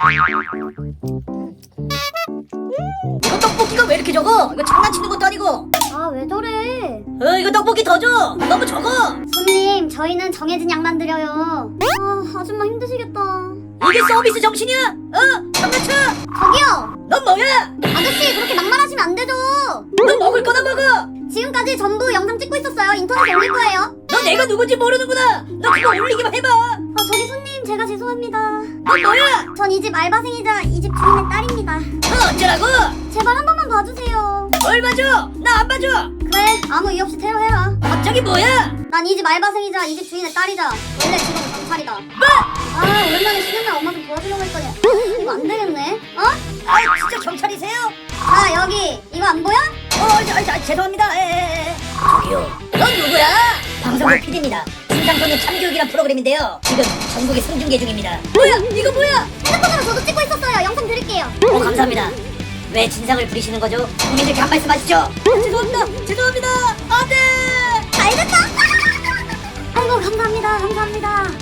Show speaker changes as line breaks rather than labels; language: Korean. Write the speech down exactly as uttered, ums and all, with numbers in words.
이거 떡볶이가 왜 이렇게 적어? 이거 장난치는 것도 아니고.
아, 왜 저래?
어 이거 떡볶이 더 줘. 너무 적어.
손님, 저희는 정해진 양만 드려요. 아, 아줌마 힘드시겠다.
이게 서비스 정신이야? 어? 장난쳐?
저기요!
넌 뭐야?
아저씨, 그렇게 막말하시면 안 되죠.
넌 먹을 거나 먹어.
지금까지 전부 영상 찍고 있었어요. 인터넷에 올릴 거예요.
너 내가 누군지 모르는구나. 너 그거 올리기만 해봐.
아, 저기 손님, 제가 죄송합니다.
넌 뭐야?
전 이 집 알바생이자 이 집 주인의 딸입니다.
너 어쩌라고?
제발 한 번만 봐주세요.
뭘 봐줘? 나 안 봐줘.
그래, 아무 이유 없이 테러해라.
갑자기 뭐야?
난 이 집 알바생이자 이 집 주인의 딸이자 원래 직업은 경찰이다.
뭐?
아, 오랜만에 쉬는 날 엄마 좀 도와주려고 했더니 이거 안 되겠네. 어?
아 진짜 경찰이세요?
자, 여기 이거 안 보여?
어, 저, 저, 죄송합니다. 에, 에, 에. 저기요. 넌 누구야? 방송국 피디입니다. 진상소년 참교육이란 프로그램인데요. 지금 전국에 생중계 중입니다. 뭐야? 이거 뭐야?
핸드폰으로 저도 찍고 있었어요. 영상 드릴게요.
어, 감사합니다. 왜 진상을 부리시는 거죠? 국민들께 한 말씀 하시죠. 죄송합니다. 죄송합니다. 안 돼.
잘됐다. 아이고, 감사합니다. 감사합니다.